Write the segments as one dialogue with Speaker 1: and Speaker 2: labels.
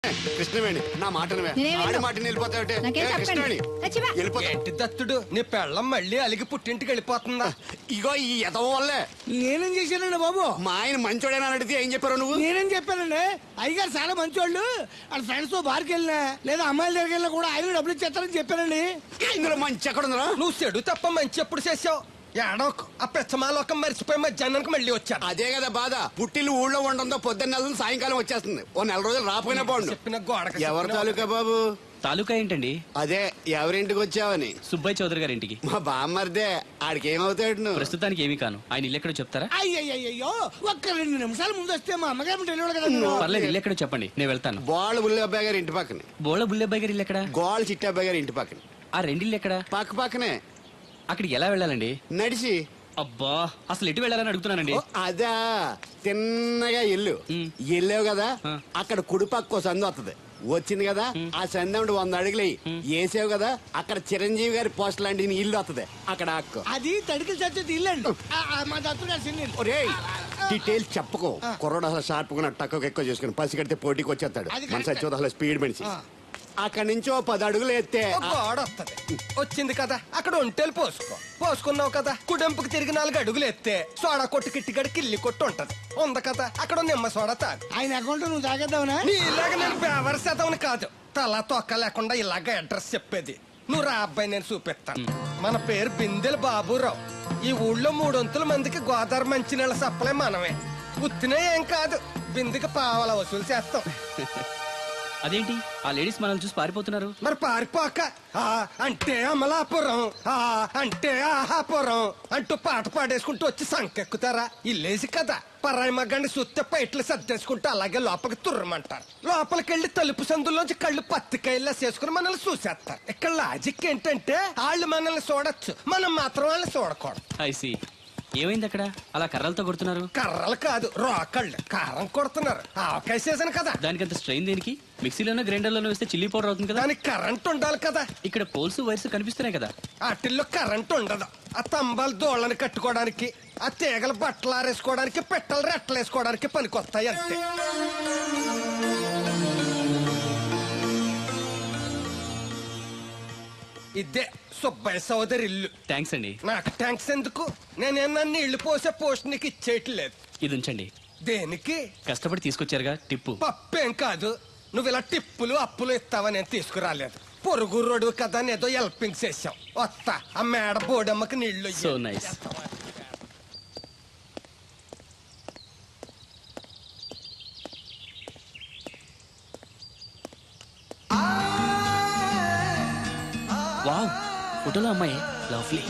Speaker 1: కృష్ణవేణి నా మాటను ఆడి మాటని వెళ్ళిపోతావుటే కృష్ణవేణి
Speaker 2: ఏంటి దత్తుడు నీ పెళ్ళం మళ్ళీ అలిగి పుట్టింటికి వెళ్ళిపోతుందా?
Speaker 1: ఇగో ఈ ఎదవ వల్లే.
Speaker 3: నేనేం చేశానండి బాబు?
Speaker 1: మా ఆయన మంచోడేనా అని అడిగితే ఏం చెప్పారు నువ్వు?
Speaker 3: నేనేం చెప్పానండి, అయ్యగారు చాలా మంచోళ్ళు, వాళ్ళ ఫ్రెండ్స్ తో బార్కి వెళ్ళినా లేదా అమ్మాయిల దగ్గరికి వెళ్ళినా కూడా ఆయన డబ్బులు ఇచ్చేస్తారని చెప్పానండి.
Speaker 1: ఇందులో మంచి ఎక్కడ ఉందా?
Speaker 2: నువ్వు చెడు తప్ప మంచి ఎప్పుడు చేసావు? ఏడోకు ఆ పెచ్చమాలోకం మర్చిపోయి మధ్యాహ్నానికి మళ్ళీ వచ్చాను.
Speaker 1: అదే కదా బాధ. పుట్టిల్లు ఊళ్ళో ఉండడంతో పొద్దున్న నెల సాయంకాలం వచ్చేస్తుంది. ఓ నెల రోజులు రాపోయినా బాగుండు.
Speaker 2: చెప్పిన గోడ
Speaker 1: ఎవరి తాలూకా బాబు?
Speaker 4: తాలూకా ఏంటండి?
Speaker 1: అదే ఎవరింటికి వచ్చావని.
Speaker 4: సుబ్బయ్య చౌదరి గారి ఇంటికి.
Speaker 1: మా బామ్మర్దే. ఆడికి ఏమవుతాడు నువ్వు?
Speaker 4: ప్రస్తుతానికి ఏమీ కాను. ఆయన ఇల్లు ఎక్కడో చెప్తారా?
Speaker 3: అయ్యయ్యో ఒక్క 2 నిమిషాలు ముందు వస్తే మా అమ్మగారు తెలియదు కదా.
Speaker 4: పర్లేదు, ఇల్లు ఎక్కడో చెప్పండి, నేను వెళ్తాను.
Speaker 1: గోళ్ళ బుల్లి అబ్బాయి గారి ఇంటి పక్కన.
Speaker 4: బోళ బుల్లెబ్బాయి గారి ఇల్లు ఎక్కడ?
Speaker 1: గోళ్ళ చిట్టి అబ్బాయి గారి ఇంటి పక్కన.
Speaker 4: ఆ రెండిల్లు ఎక్కడ?
Speaker 1: పక్క పక్కనే.
Speaker 4: అక్కడికి ఎలా వెళ్ళాలండి?
Speaker 1: నడిచి.
Speaker 4: అబ్బా, అసలు ఎటు వెళ్ళాలని అడుగుతున్నానండి.
Speaker 1: అదా తిన్నగా ఇల్లు వెళ్ళావు కదా, అక్కడ కుడిపక్క సందు వస్తుంది. వచ్చింది కదా, ఆ సందముడు 100 అడుగులు వేసావు కదా, అక్కడ చిరంజీవి గారి పోస్ట్ లాంటి ఇల్లు వస్తుంది. అక్కడ అక్కు
Speaker 3: అది తడికి చచ్చేది ఇల్లండి. మా దత్తు
Speaker 1: డీటెయిల్స్ చెప్పుకో. కుర్రోడు అసలు షార్ప్ గా టక్కు ఎక్కువ చేసుకుని పసి కడితే పోటీకి వచ్చేస్తాడు. మన సచ్చి అసలు స్పీడ్ మనిషి. అక్కడి నుంచి 10 అడుగులు ఎత్తే
Speaker 2: గోడ వస్తుంది. వచ్చింది కదా, అక్కడ ఒంటేలు పోసుకున్నావు కదా, కుడెంపుకి తిరిగి 4 అడుగులు ఎత్తే సోడా కొట్టు కిట్టిగడి కిల్లి కొట్టు ఉంటది. ఉంది కదా, అక్కడ నిమ్మ సోడా తాగు.
Speaker 3: ఆయన అకౌంట్ నువ్వు తాగేద్దావునా?
Speaker 2: నీ ఇలాగ నేను బేవర్ శాతం కాదు, తల తొక్క లేకుండా ఇలాగ అడ్రస్ చెప్పేది. నువ్వు రా అబ్బాయి, నేను చూపిస్తాను. మన పేరు బిందెల బాబురావు. ఈ ఊళ్ళో 300 మందికి గోదావరి మంచినీళ్ళ సప్లై మనమే. ఉత్తినే ఏం కాదు, బిందెకి పావలా వసూలు చేస్తాం.
Speaker 4: అదేంటి ఆ లేడీస్ మనల్ని చూసి పారిపోతున్నారు?
Speaker 2: మరి పారిపోక అంటే అమలాపురం, అంటే ఆహాపురం అంటూ పాట పాడేసుకుంటూ వచ్చి సంకెక్కుతారా? ఇల్లేసి కదా, పరాయి మగ్గండి సుత్తే పైట్లు సర్దేసుకుంటూ అలాగే లోపలికి తుర్రమంటారు. లోపలికెళ్ళి తలుపు సందులోంచి కళ్ళు పత్తికాయల్లా చేసుకుని మనల్ని చూసేస్తారు. ఇక్కడ లాజిక్ ఏంటంటే వాళ్ళు మనల్ని చూడొచ్చు, మనం మాత్రం వాళ్ళని చూడకూడదు.
Speaker 4: ఐసి ఏమైంది అక్కడ అలా కర్రలతో కొడుతున్నారు?
Speaker 2: కర్రలు కాదు, రోకళ్ళు కారం కొడుతున్నారు. ఆవకాయ సీజన్ కదా.
Speaker 4: దానికంత స్ట్రెయిన్ దేనికి? మిక్సీలోనో గ్రైండర్లోనో వేస్తే చిల్లీ పౌడర్ అవుతుంది కదా.
Speaker 2: దానికి కరెంట్ ఉండాలి కదా.
Speaker 4: ఇక్కడ పోల్స్ వైర్స్ కనిపిస్తున్నాయి కదా.
Speaker 2: వాటిల్లో కరెంట్ ఉండదు. ఆ తంబాలు దోళ్ళని కట్టుకోవడానికి, ఆ తీగలు బట్టలు ఆరేసుకోవడానికి, పెట్టలు రెట్టలు వేసుకోవడానికి పనికొస్తాయి అంతే. ఇదే సుబ్బయ్య సోదరి ఇల్లు.
Speaker 4: థ్యాంక్స్ అండి.
Speaker 2: నాకు థ్యాంక్స్ ఎందుకు? నేనేమన్నా నీళ్లు పోసే పోస్ట్ నీకు ఇచ్చేయట్లేదు.
Speaker 4: ఇది ఉంచండి.
Speaker 2: దేనికి?
Speaker 4: కష్టపడి తీసుకొచ్చారుగా టిప్పు.
Speaker 2: పప్పేం కాదు, నువ్వు ఇలా టిప్పులు అప్పులు ఇస్తావని నేను తీసుకురాలేదు. పొరుగు రోడ్డు కదా ఏదో హెల్పింగ్ చేసావు. వస్తా, ఆ మేడ బోడమ్మకి నీళ్లు.
Speaker 4: So nice. వావ్, ఫోటోలో అమ్మాయి lovely.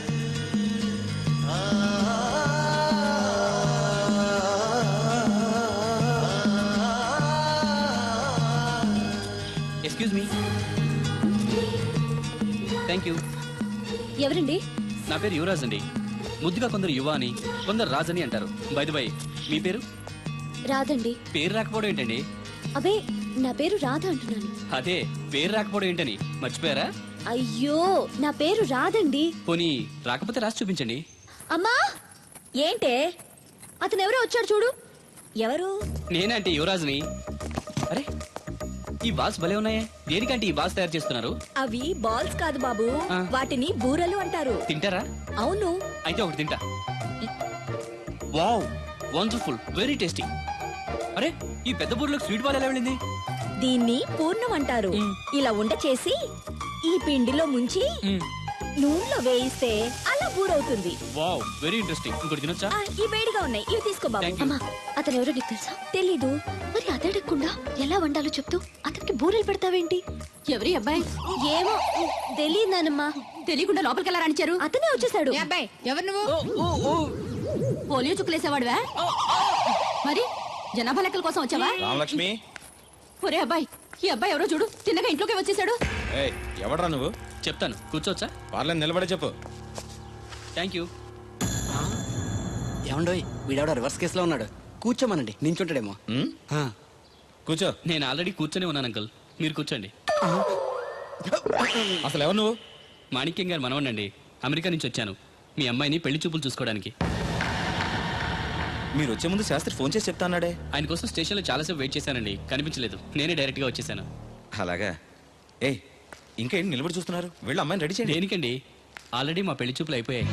Speaker 4: Excuse me. Thank you.
Speaker 5: ఎవరండి?
Speaker 4: నా పేరు యువరాజ్ అండి. ముద్దుగా కొందరు యువ అని, కొందరు రాజ్ అని అంటారు. బై ది బై, మీ పేరు?
Speaker 5: రాదండి.
Speaker 4: పేరు రాకపోవడం ఏంటండి?
Speaker 5: అబే, నా పేరు రాధ అంటున్నాను.
Speaker 4: అదే పేరు రాకపోవడం ఏంటని మర్చిపోయారా?
Speaker 5: అయ్యో, నా పేరు రాదండి.
Speaker 4: పోనీ రాకపోతే రాసి చూపించండి.
Speaker 5: అమ్మా, ఏంటే అతను ఎవరో వచ్చాడు చూడు. ఎవరు?
Speaker 4: నేనంటే యువరాజ్ని. అరే, ఈ బాల్స్ భలే ఉన్నాయే. దేనికంటే ఈ బాల్స్ తయారు చేస్తున్నారు?
Speaker 5: అవి బాల్స్ కాదు బాబు, వాటిని బూరలు అంటారు.
Speaker 4: తింటారా?
Speaker 5: అవును.
Speaker 4: అయితే ఒకటి తింటా. Wow, wonderful, very tasty. అరే, ఈ పెద్ద బూరలోకి స్వీట్ బాల్ ఎలా వెళ్ళింది?
Speaker 5: దీన్ని పూర్ణం అంటారు. ఇలా ఉండ చేసి ఈ పిండిలో ముంచి నూనెలో వేయిస్తే అలా బూరవుతుంది.
Speaker 4: Wow, very interesting. ఇంకోటి తినొచ్చా?
Speaker 5: ఈ వేడిగా ఉన్నాయి, ఇవి తీసుకో బాబు. అమ్మా, అతను ఎవరో నీకు తెలుసా? తెలీదు. మరి అదడకుండా ఎలా వండాలో చెప్తూ అతనికి బూరెలు పెడతావేంటి?
Speaker 6: ఎవరి అబ్బాయి?
Speaker 5: ఏమో తెలియదానమ్మా.
Speaker 6: తెలియకుండా లోపలికి ఎలా రానిచ్చారు?
Speaker 5: అతనే వచ్చేసాడు.
Speaker 6: అబ్బాయి ఎవరు నువ్వు? పోలియో చుక్కులేసేవాడువా? మరి జనాభా లెక్కల కోసం వచ్చావా?
Speaker 7: రామలక్ష్మి.
Speaker 6: ఒరే అబ్బాయి, ఈ అబ్బాయి ఎవరో చూడు, తిన్నగా ఇంట్లోకి వచ్చేసాడు.
Speaker 7: ఎవడరా నువ్వు?
Speaker 4: చెప్తాను, కూర్చోవచ్చా?
Speaker 7: వాళ్ళని నిలబడే చెప్పు.
Speaker 4: Thank you.
Speaker 8: ఏమండోయ్, వీడెవడో రివర్స్ కేసులో ఉన్నాడు. కూర్చోమనండి, నించుంటాడేమో.
Speaker 7: కూర్చో.
Speaker 4: నేను ఆల్రెడీ కూర్చొని ఉన్నాను అంకుల్, మీరు కూర్చోండి.
Speaker 7: అసలు ఎవరు నువ్వు?
Speaker 4: మాణిక్యం గారు మనవనండి. అమెరికా నుంచి వచ్చాను మీ అమ్మాయిని పెళ్లి చూపులు చూసుకోవడానికి.
Speaker 7: మీరు వచ్చే ముందు శాస్త్రి ఫోన్ చేసి చెప్తా అన్నాడే.
Speaker 4: ఆయన కోసం స్టేషన్లో చాలాసేపు వెయిట్ చేశానండి, కనిపించలేదు. నేనే డైరెక్ట్గా వచ్చేసాను.
Speaker 7: అలాగా. ఏయ్ ఇంకా ఏంటి నిలబడి చూస్తున్నారు? వెళ్ళి అమ్మాయిని రెడీ చేయండి.
Speaker 4: దేనికండి? ఆల్రెడీ మా పెళ్లి చూపులు అయిపోయాయి.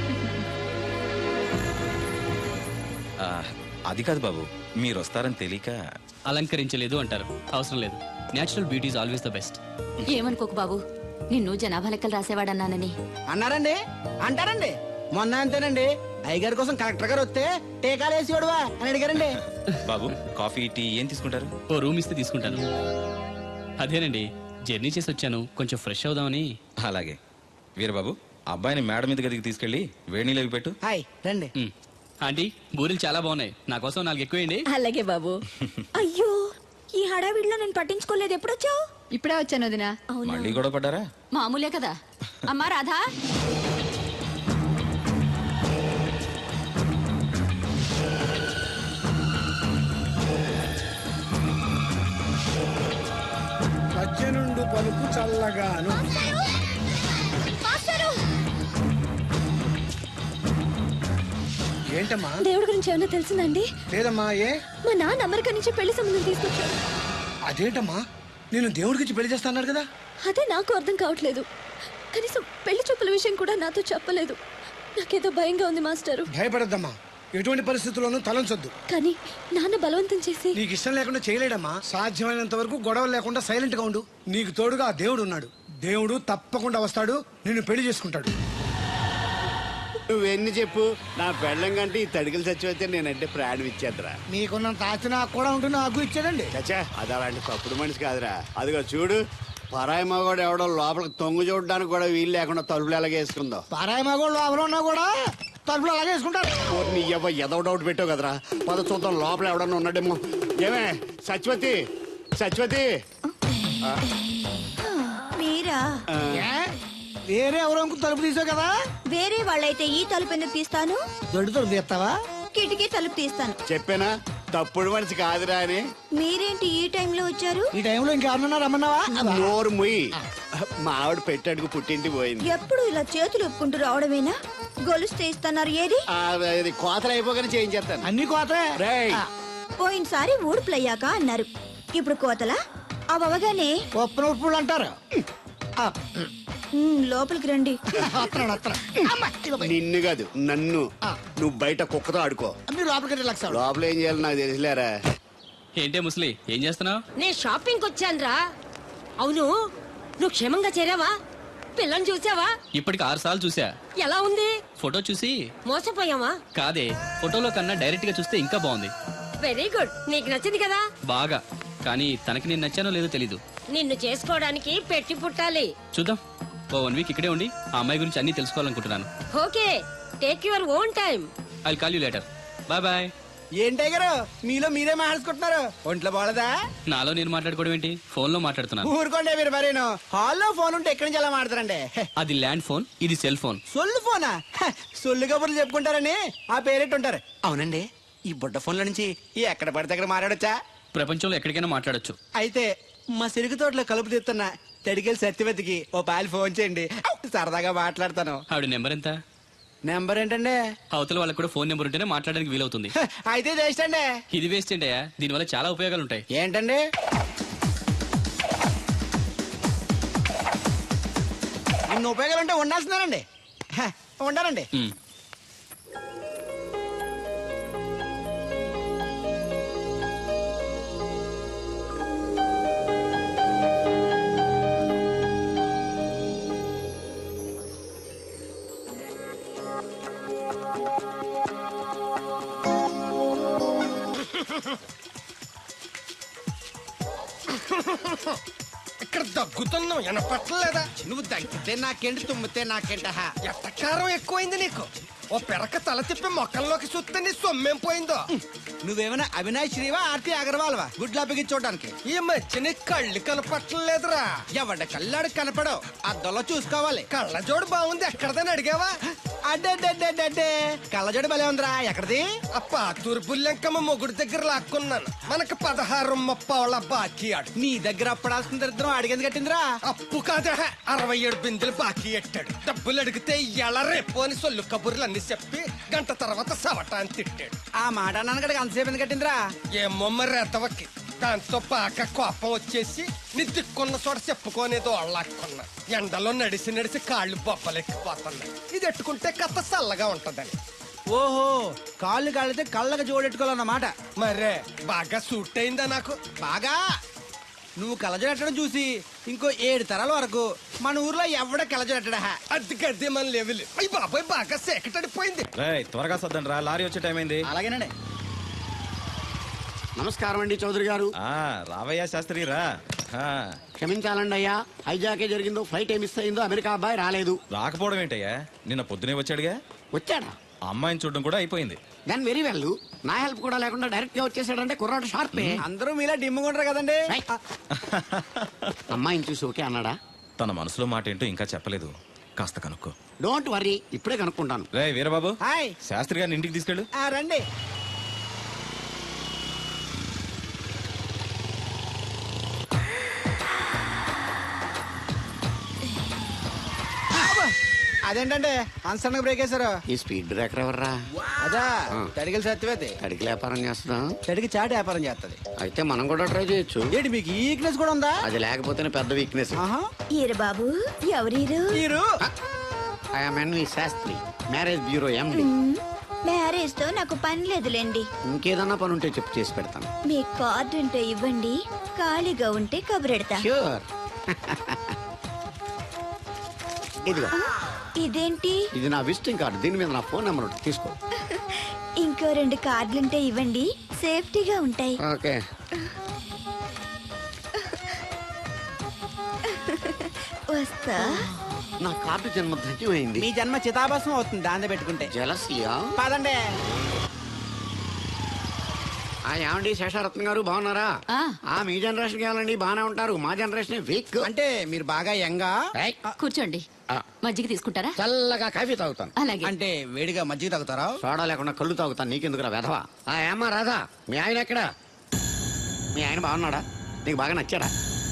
Speaker 7: ఆ, అది కాదు బాబు, మీరు వస్తారని తెలియక.
Speaker 4: అలంకరించలేదు అంటారు, అవసరం లేదు. Natural beauty is always the best.
Speaker 6: ఏమనుకోకు బాబు, నిన్ను జనాభా లెక్కలు రాసేవాడన్నానని.
Speaker 8: అన్నారండి, అంటారండి. మొన్న అంతేనండి, అయ్యగారి కోసం కలెక్టర్ గారు వస్తే టీకాలు వేసి వాడువా అని అడిగారండి.
Speaker 7: బాబు కాఫీ టీ ఏం తీసుకుంటారు?
Speaker 4: ఓ రూమ్ ఇస్తే తీసుకుంటాను. అదేనండి, జర్నీ చేసి వచ్చాను, కొంచెం ఫ్రెష్ అవుదామని.
Speaker 7: అలాగే. వీరబాబు అబ్బాయిని మేడ మీద గదికి తీసుకెళ్ళి వేడి నీళ్ళు అవి పెట్టు.
Speaker 8: హాయ్ రండి.
Speaker 4: మ్. ఆంటీ, బూరెలు చాలా బాగున్నాయి, నా కోసం 4 ఎక్కువేయండి.
Speaker 5: అలాగే బాబు. అయ్యో, ఈ హడావిడిలో నేను పట్టించుకోలేదు. ఎప్పుడొచ్చావు?
Speaker 6: ఇప్పుడే వచ్చాను వదినా.
Speaker 5: అవునా?
Speaker 7: మళ్ళీ గొడవ పడ్డారా?
Speaker 6: మామూలే కదా. అమ్మా రాధా,
Speaker 3: సజ్జనుండు పలుకు చల్లగాను. ఏంటమ్మా?
Speaker 5: దేవుడి గురించి ఏమైనా తెలిసిందండి?
Speaker 3: లేదమ్మా. ఏ?
Speaker 5: మా నాన్న అమెరికా నుంచి పెళ్లి సంబంధం తీసుకొచ్చాడు.
Speaker 3: అదేంటమ్మా, నేను దేవుడికి పెళ్లి చేస్తాను కదా.
Speaker 5: అదే నాకు అర్థం కావట్లేదు. కనీసం పెళ్లి చూపుల విషయం కూడా నాతో చెప్పలేదు. నాకేదో భయంగా ఉంది మాస్టారు.
Speaker 3: భయపడద్దమ్మా, ఎటువంటి పరిస్థితుల్లోనూ తలంచొద్దు.
Speaker 5: కానీ నాన్న బలవంతం చేసి.
Speaker 3: నీకు ఇష్టం లేకుండా చేయలేడమ్మా. సాధ్యమైనంత వరకు గొడవలు లేకుండా సైలెంట్ గా ఉండు. నీకు తోడుగా ఆ దేవుడు ఉన్నాడు. దేవుడు తప్పకుండా వస్తాడు, నిన్ను పెళ్లి చేసుకుంటాడు.
Speaker 1: నువ్వెన్ని చెప్పు, నా పెళ్ళం కంటే ఈ తడికలు చచ్చిపోతే నేనంటే ప్రాణం ఇచ్చేద్దరా.
Speaker 3: మీకున్నంత ఆస్తి నాకు కూడా ఉంటుంది, నాకు ఇచ్చాడండి.
Speaker 1: చచ్చా, అది అలాంటి తప్పుడు మనిషి కాదురా. అదిగో చూడు, పరాయి మగోడు ఎవడో లోపలికి తొంగు చూడడానికి కూడా వీలు లేకుండా తలుపులు ఎలాగ వేసుకుందో.
Speaker 3: పారాయి మగోళ్ళు లోపల ఉన్నా కూడా తలుపులు అలాగే వేసుకుంటారు.
Speaker 1: నీ ఎదో డౌట్ పెట్టావు కదరా. పద చూద్దాం లోపల ఎవడన్నా ఉన్నాడేమో. ఏమే సత్యవతి, సత్యవతి.
Speaker 5: మీరా?
Speaker 3: ఏ? వేరే ఎవరో తలుపు తీసావు కదా.
Speaker 5: వేరే వాళ్ళైతే ఈ తలుపు ఎందుకు తీస్తాను?
Speaker 3: దొడ్డు తలుపు తీస్తావా?
Speaker 5: కిటికీ తలుపు తీస్తాను.
Speaker 1: చెప్పానా తప్పుడు మనిషి కాదురా అని.
Speaker 5: మీరేంటి ఈ టైంలో వచ్చారు?
Speaker 3: ఈ టైంలో ఇంకెవరన్నా రమ్మన్నావా?
Speaker 1: నోరు ముయ్యి. మా ఆవిడ పెట్టాడుకు పుట్టింటి పోయింది.
Speaker 5: ఎప్పుడు ఇలా చేతులు ఒప్పుకుంటూ రావడమేనా? గొలుస్తే ఇస్తున్నారు ఏది?
Speaker 1: ఇది కోతలు అయిపోగానే చేయించేస్తాను.
Speaker 3: అన్ని కోతే.
Speaker 1: రేయ్,
Speaker 5: పోయినసారి ఊడుపులయ్యాక అన్నారు, ఇప్పుడు కోతలా? అవగానే
Speaker 3: ఉప్పు ఉప్పులు అంటారు.
Speaker 5: లోపలికి రండి.
Speaker 3: వస్తున్నాడు, వస్తున్నాడు.
Speaker 1: నిన్ను కాదు నన్ను. నువ్వు బయట కుక్కతో ఆడుకో.
Speaker 3: మీరు లోపలికి రిలాక్స్ అవ్వండి.
Speaker 1: లోపల ఏం చేయాలి నాకు తెలిసిలేరా.
Speaker 4: ఏంటే ముసలి, ఏం చేస్తున్నావు?
Speaker 9: నేను షాపింగ్ వచ్చానురా. అవును, నువ్వు క్షేమంగా చేరావా? పిల్లని చూసావా?
Speaker 4: ఇప్పటికి 6 సార్లు చూసా.
Speaker 9: ఎలా ఉంది?
Speaker 4: ఫోటో చూసి
Speaker 9: మోసపోయావా?
Speaker 4: కాదే, ఫోటోలో కన్నా డైరెక్ట్ గా చూస్తే ఇంకా బాగుంది.
Speaker 9: వెరీ గుడ్, నీకు నచ్చింది కదా.
Speaker 4: బాగా. కానీ తనకి నేను నచ్చానో లేదో తెలీదు.
Speaker 9: నిన్ను చేసుకోవడానికి పెట్టి పుట్టాలి.
Speaker 4: చూద్దాం. ఓ 1 వీక్ ఇక్కడే ఉండి ఆ అమ్మాయి గురించి అన్ని తెలుసుకోవాలనుకుంటున్నాను.
Speaker 9: Okay, take your own time.
Speaker 4: I call you later. Bye bye.
Speaker 8: ఏంటే గారు మీలో మీరే మాట్లాడుకుంటున్నారు? ఒంట్లో బాగలదా?
Speaker 4: నాలో నేను మాట్లాడుకోవడం ఏంటి, ఫోన్ లో మాట్లాడుతున్నాను.
Speaker 8: ఊరుకోండి మీరు మరేను. హాల్లో ఫోన్ ఉంటే ఎక్కడి నుంచి ఎలా మాట్లాడతారండి?
Speaker 4: అది ల్యాండ్ ఫోన్, ఇది సెల్ ఫోన్.
Speaker 8: సొల్లు ఫోనా? సొల్లు కబుర్లు చెప్పుకుంటారని ఆ పేరెట్టుంటారు. అవునండి, ఈ బుడ్డ ఫోన్ల నుంచి ఎక్కడ పడితే అక్కడ మాట్లాడొచ్చా?
Speaker 4: ప్రపంచంలో ఎక్కడికైనా మాట్లాడొచ్చు.
Speaker 8: అయితే మా సిరుగు తోటలో కలుపు తీస్తున్న తడికెళ్ళి సత్యవతికి ఓ పాలు ఫోన్ చేయండి, సరదాగా మాట్లాడతాను.
Speaker 4: ఆవిడ నెంబర్ ఎంత?
Speaker 8: నెంబర్ ఏంటండి?
Speaker 4: అవతల వాళ్ళకి కూడా ఫోన్ నెంబర్ ఉంటేనే మాట్లాడడానికి వీలవుతుంది.
Speaker 8: అయితే చేస్తండి.
Speaker 4: ఇది వేస్ట్ ఏంటయ్యా, దీనివల్ల చాలా ఉపయోగాలు ఉంటాయి.
Speaker 8: ఏంటండి? ఇన్ని ఉపయోగాలు ఉంటే ఉండాల్సిందేనండి. ఉండాలండి.
Speaker 4: ఉమ్.
Speaker 2: ఇక్కడ దగ్గుతున్నావు, వినపట్టలేదా?
Speaker 8: నువ్వు దగ్గితే నాకేంటి, తుమ్మితే నాకేంట?
Speaker 2: ఎట్టకారం ఎక్కువైంది నీకు. ఓ పెరక తల తిప్పి మొక్కల్లోకి చూస్తే నీ సొమ్మేం పోయిందో.
Speaker 8: నువ్వేమైనా అవినాష్ శ్రీవా, ఆర్తి అగర్వాల్వా గుడ్లా బిగించోడానికి?
Speaker 2: ఈ మధ్య నీ కళ్ళు కనపట్టలేదురా.
Speaker 8: ఎవడ కళ్ళాడు కనపడవు, అద్దంలో చూసుకోవాలి.
Speaker 2: కళ్ళజోడు బాగుంది, ఎక్కడదని అడిగావా?
Speaker 8: అడ్డే కళ్ళజోడు భలే ఉందిరా. ఎక్కడిది?
Speaker 2: ఆ పాతూరు బుల్లెంకమ్మ మొగుడు దగ్గర లాక్కున్నాను. మనకు 16 ముప్పావుల బాకీ ఆడు.
Speaker 8: నీ దగ్గర అప్పడాల్సిన దరిద్రం అడిగింది కట్టిందిరా.
Speaker 2: అప్పు కాదా, 67 బిందెలు బాకీ ఎట్టాడు. డబ్బులు అడిగితే ఎలా రేపు అని సొల్లు కబుర్లు అన్ని చెప్పి గంట తర్వాత సవటాన్ని తిట్టాడు.
Speaker 8: ఆ మాట అన్నాను అంతసేపు ఎందుకు కట్టిందిరా?
Speaker 2: ఏమో మరి ఎతవకి దాంతో బాగా కోపం వచ్చేసి నీ దిక్కున్న చోట చెప్పుకోనేదో అళ్ళాక్కున్నా. ఎండలో నడిసి నడిసి కాళ్ళు బొబ్బలెక్కిపోతున్నాయి. ఇది ఎట్టుకుంటే కథ చల్లగా ఉంటదని.
Speaker 8: ఓహో, కాళ్ళు కాళ్ళైతే కళ్ళకి జోడెట్టుకోవాలన్నమాట.
Speaker 2: మరే బాగా సూట్ అయిందా నాకు?
Speaker 8: బాగా నువ్వు కలజడట్టడం చూసి ఇంకో 7 తరాల వరకు మన ఊర్లో ఎవడ కలజడట్టడా?
Speaker 2: అది గడ్డి మన లెవెల్. అయ్యి బాబాయ్ బాగా సేకటడిపోయింది.
Speaker 7: రేయ్ త్వరగా సర్దండి రా, లారీ వచ్చే టైం అయింది.
Speaker 8: అలాగేనండి.
Speaker 1: నమస్కారం అండి చౌదరి గారు.
Speaker 7: రావయ్యా శాస్త్రి రా.
Speaker 1: క్షమించాలండి అయ్యా, హైజాకే జరిగిందో, ఫ్లైట్ ఏమి మిస్ అయిందో, అమెరికా అబ్బాయి రాలేదు.
Speaker 7: రాకపోవడం ఏంటయ్యా, నిన్న పొద్దునే వచ్చాడుగా.
Speaker 1: వచ్చాడా?
Speaker 7: ఆ అమ్మాయిని చూడడం కూడా అయిపోయింది.
Speaker 1: దాని వెరీ వెల్. నా హెల్ప్ కూడా లేకుండా డైరెక్ట్ గా వచ్చేసాడంటే కుర్రాడు షార్పే.
Speaker 8: అందరూ మీలా డిమ్ముకుంటారు కదండి.
Speaker 1: రైట్. అమ్మాయిని చూసి ఓకే అన్నాడా?
Speaker 7: తన మనసులో మాట ఏంటో ఇంకా చెప్పలేదు, కాస్త కనుక్కో.
Speaker 1: డోంట్ వరీ, ఇప్పుడే కనుక్కుంటాను.
Speaker 7: రే వీరబాబు,
Speaker 8: హాయ్.
Speaker 7: శాస్త్రి గారిని ఇంటికి తీసుకెళ్ళు.
Speaker 8: రండి. అదేంటంటే అన్సడన్ బ్రేక్ వేశారు?
Speaker 1: ఈ స్పీడ్ బ్రేకర్ ఎవర్రా?
Speaker 8: అదా తడిగిల సత్యవేతి
Speaker 1: తడికి వ్యాపారం చేస్తున్నా.
Speaker 8: తడికి చాటి వ్యాపారం చేస్తది.
Speaker 1: అయితే మనం కూడా ట్రై చేయొచ్చు.
Speaker 8: ఏంటి మీకు ఈ వీక్నెస్ కూడా ఉందా?
Speaker 1: అది లేకపోతేనే పెద్ద వీక్నెస్.
Speaker 8: ఆహా.
Speaker 5: ఈరు బాబు, ఎవరీరు?
Speaker 8: మీరు
Speaker 1: I'm NV Shastri, marriage bureau MD.
Speaker 5: Marriage తో నాకు పని లేదులేండి.
Speaker 1: ఇంకేదన్నా పని ఉంటే చెప్పు, చేసి పెడతాను.
Speaker 5: మీ కార్డు ఉంటే ఇవ్వండి, ఖాళీగా ఉంటే కబురెడతా.
Speaker 1: ష్యూర్. ఇదిగో,
Speaker 5: ఇదేంటి?
Speaker 1: ఇది నా విజిటింగ్ కార్డు. దీని మీద నా ఫోన్ నెంబర్ ఉంటుంది, తీసుకో.
Speaker 5: ఇంకో 2 కార్డులుంటే ఇవ్వండి, సేఫ్టీగా ఉంటాయి.
Speaker 1: ఓకే.
Speaker 5: వస్తా.
Speaker 1: నా కార్డు జన్మ ధన్యమైంది.
Speaker 8: మీ జన్మ చితాభస్మం అవుతుంది దాన్ని పెట్టుకుంటే.
Speaker 1: జలసియా?
Speaker 8: పదండి.
Speaker 1: ఏమండి శేషారత్న గారు, బాగున్నారా? మీ జనరేషన్ కావాలండి, బాగానే ఉంటారు. మా జనరేషన్ వీక్.
Speaker 8: అంటే మీరు బాగా యంగా.
Speaker 6: కూర్చోండి. మజ్జిగ తీసుకుంటారా?
Speaker 1: చల్లగా కాఫీ తాగుతాను.
Speaker 6: అలాగే.
Speaker 8: అంటే వేడిగా మజ్జిగ తాగుతారా?
Speaker 1: సోడా లేకుండా కళ్ళు తాగుతాను. నీకెందుకురా వెధవా? ఏమ్మా రాధా, మీ ఆయన ఎక్కడా? మీ ఆయన బాగున్నాడా? నీకు బాగా నచ్చాడా?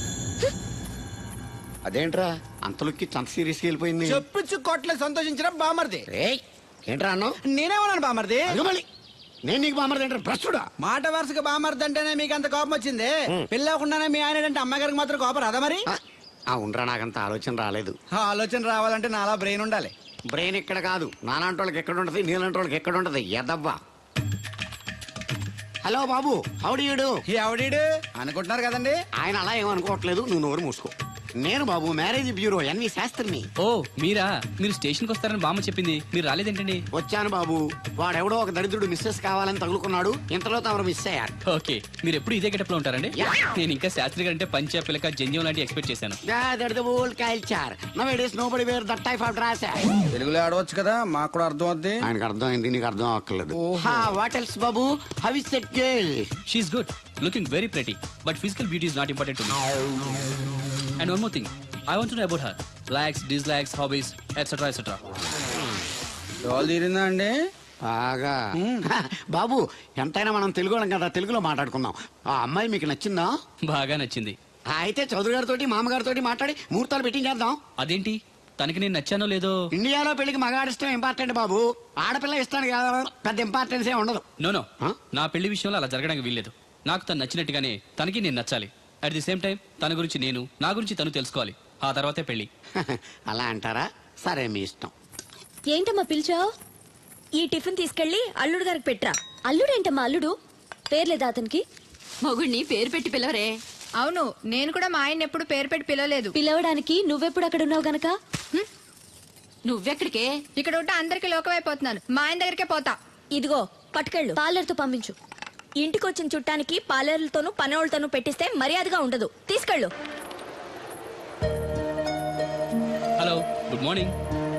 Speaker 1: అదేంట్రా అంతలోకి చంత సీరియస్కి వెళ్ళిపోయింది?
Speaker 8: చెప్పుచ్చు కొట్లే సంతోషించిన బామర్ది.
Speaker 1: ఏయ్, ఏంట్రా అన్నావు?
Speaker 8: నేనేమన్నాను బామర్ది?
Speaker 1: మళ్ళీ నేను నీకు బామర్ది ఏంట్రా? భ్రష్టుడా?
Speaker 8: మాట వరుసగా బామర్ది అంటేనే మీకు అంత కోపం వచ్చింది. పెళ్ళవకుండానే మీ ఆయన అంటే అమ్మగారికి మాత్రం కోపం రాదా మరి?
Speaker 1: ఉండరా, నాకంత ఆలోచన రాలేదు.
Speaker 8: ఆ ఆలోచన రావాలంటే నాలా బ్రెయిన్ ఉండాలి.
Speaker 1: బ్రెయిన్ ఇక్కడ కాదు, నాలాంటి వాళ్ళకి ఎక్కడ ఉంటది, నీలాంటి వాళ్ళకి ఎక్కడ ఉంటది? ఎదవ్వా. హలో బాబు, హౌడీయుడు.
Speaker 8: ఎవడీడు అనుకుంటున్నారు కదండి.
Speaker 1: ఆయన అలా ఏమనుకోవట్లేదు, నువ్వు నోరు మూసుకో. నేను బాబు, మ్యారేజ్ బ్యూరో ఎన్వి శాస్త్రిని.
Speaker 4: ఓ మీరా? మీరు స్టేషన్కి వస్తారని బామ్మ చెప్పింది, మీరు రాలేదేంటండి?
Speaker 1: వచ్చాను బాబు. వాడెవడో ఒక దరిద్రుడు మిస్సెస్ కావాలని తగులుకున్నాడు, ఇంతలో తమరు మిస్ అయ్యారు.
Speaker 4: ఓకే, మీరు ఎప్పుడు ఇదే గెటప్ లో ఉంటారండి?
Speaker 1: Yeah.
Speaker 4: నేను ఇంకా శాస్త్రి గారు అంటే పంచ పిల్లక జంజం లాంటి ఎక్స్పెక్ట్ చేశాను.
Speaker 8: తెలుగులో ఆడవచ్చు కదా, మాకు కూడా అర్థం అవుద్ది.
Speaker 1: ఆయనకు అర్థమైంది, నీకు అర్థం అవ్వట్లేదు. వాట్ ఎల్స్ బాబు? How is that girl?
Speaker 4: She's good, looking very pretty, but physical beauty is not important to me. And one more thing, I want to know about her likes, dislikes, hobbies, etcetera etcetera.
Speaker 8: డోల్ తీరిందా అండి?
Speaker 1: బాగా. బాబు, ఎంతైనా మనం తెలుగు వాళ్ళం కదా, తెలుగులో మాట్లాడుకుందాం. ఆ అమ్మాయి మీకు నచ్చిందా?
Speaker 4: బాగా నచ్చింది.
Speaker 1: అయితే చౌదరి గారితో, మామగారితో మాట్లాడి ముహూర్తాలు పెట్టింగ్ చేద్దాం.
Speaker 4: అదేంటి, తనకి నేను నచ్చానో లేదో?
Speaker 1: ఇండియాలో పెళ్లికి మగాడిష్టం ఇంపార్టెంట్ బాబు, ఆడపిల్ల ఇష్టానికి పెద్ద ఇంపార్టెన్స్ ఏ ఉండదు.
Speaker 4: No
Speaker 1: Huh?
Speaker 4: నా పెళ్లి విషయంలో అలా జరగడానికి వీల్లేదు. నాకు తను నచ్చినట్టుగానే తనకి నేను నచ్చాలి. అట్ ది సేమ్ టైం తన గురించి నేను, నా గురించి తను తెలుసుకోవాలి. ఆ తర్వాతే పెళ్లి.
Speaker 1: అలా అంటారా? సరే, మీ ఇష్టం.
Speaker 5: ఏంటమ్మా పిలిచావు? ఈ టిఫిన్ తీసుకెళ్లి అల్లుడు గారికి పెట్టరా. అల్లుడేంటమ్మా అల్లుడు? పేర్లేదా అతనికి?
Speaker 6: మొగుడిని పేరు పెట్టి పిలవరే.
Speaker 10: అవును, నేను కూడా మా ఆయన ఎప్పుడు పేరు పెట్టి పిలవలేదు.
Speaker 5: పిలవడానికి నువ్వెప్పుడు అక్కడ ఉన్నావు గనక.
Speaker 6: నువ్వెక్కడికే?
Speaker 10: ఇక్కడ ఉంటే అందరికి లోకమైపోతున్నాను. మా ఆయన దగ్గరికే పోతా.
Speaker 5: ఇదిగో పట్టుకెళ్ళు, పార్లర్తో పంపించు. ఇంటికి వచ్చిన చుట్టానికి పార్లర్లతోనూ పనోళ్ళతోనూ పెట్టిస్తే మర్యాదగా ఉండదు. తీసుకెళ్ళు.
Speaker 4: Hello, good morning.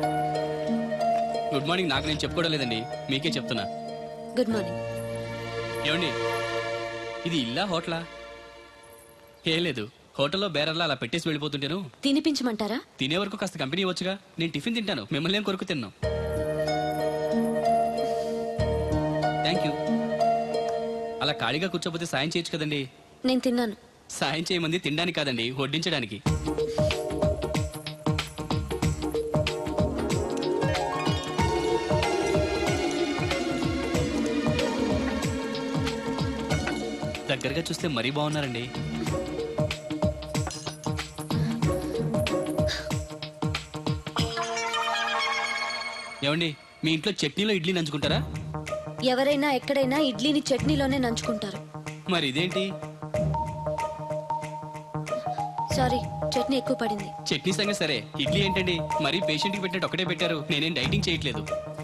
Speaker 4: Good morning నాకు నేను చెప్పుకోవడం లేదండి, మీకే చెప్తున్నా.
Speaker 5: Good morning.
Speaker 4: ఏమండి, ఇది ఇల్లా హోటలా? ఏం లేదు, హోటల్లో బేరర్లా అలా పెట్టేసి వెళ్ళిపోతుంటేను.
Speaker 5: తినిపించమంటారా?
Speaker 4: తినే వరకు కాస్త కంపెనీ ఇవ్వచ్చుగా. నేను టిఫిన్ తింటాను, మిమ్మల్ని ఏం కొరకు తిన్నాను. Thank you. అలా ఖాళీగా కూర్చోపోతే సాయం చేయొచ్చు కదండి.
Speaker 5: నేను తిన్నాను.
Speaker 4: సాయం చేయమంది తినడానికి కాదండి, వడ్డించడానికి. ఒంటరిగా చూస్తే మరీ బాగున్నారండి. ఏమండి, మీ ఇంట్లో చట్నీలో ఇడ్లీ నంచుకుంటారా?
Speaker 5: ఎవరైనా ఎక్కడైనా ఇడ్లీని చట్నీలోనే నంచుకుంటారు.
Speaker 4: మరి ఇదేంటి?
Speaker 5: సారీ, చట్నీ ఎక్కువ పడింది.
Speaker 4: చట్నీ సంగతి సరే, ఇడ్లీ ఏంటండి మరీ పేషెంట్కి పెట్టినట్టు ఒకటే పెట్టారు. నేనేం డైటింగ్ చేయట్లేదు.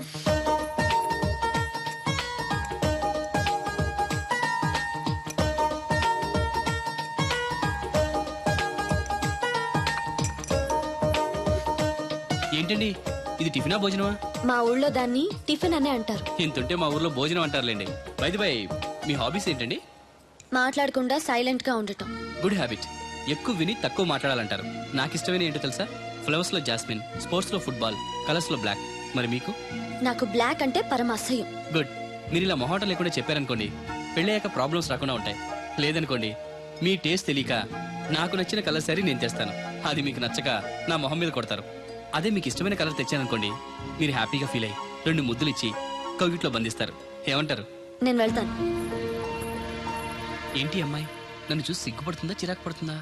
Speaker 4: ఏంటండి ఇది, టిఫినా భోజనమా?
Speaker 5: మా ఊళ్ళో దాన్ని టిఫిన్ అనే అంటారు.
Speaker 4: ఇంతుంటే మా ఊర్లో భోజనం అంటారులేండి. బై మీ హాబీస్ ఏంటండి?
Speaker 5: మాట్లాడకుండా సైలెంట్ గా ఉండటం.
Speaker 4: Good habit. ఎక్కువ విని తక్కువ మాట్లాడాలంటారు. నాకు ఇష్టమైన ఏంటో తెలుసా? ఫ్లవర్స్ లో జాస్మిన్, స్పోర్ట్స్ లో ఫుట్బాల్, కలర్స్ లో బ్లాక్. మరి మీకు?
Speaker 5: నాకు బ్లాక్ అంటే పరమ అసహ్యం.
Speaker 4: గుడ్. మీరు ఇలా మొహాటం లేకుండా చెప్పారనుకోండి, పెళ్ళయ్యాక ప్రాబ్లమ్స్ రాకుండా ఉంటాయి. లేదనుకోండి, మీ టేస్ట్ తెలియక నాకు నచ్చిన కలర్ సరే నేను తెస్తాను, అది మీకు నచ్చక నా మొహం మీద కొడతారు. అదే మీకు ఇష్టమైన కలర్ తెచ్చాననుకోండి, మీరు హ్యాపీగా ఫీల్ అయ్యి 2 ముద్దులు ఇచ్చి కవిట్లో బంధిస్తారు. ఏమంటారు?
Speaker 5: నేను వెళ్తాను.
Speaker 4: ఏంటి అమ్మాయి, నన్ను చూసి సిగ్గుపడుతుందా చిరాకు పడుతుందా?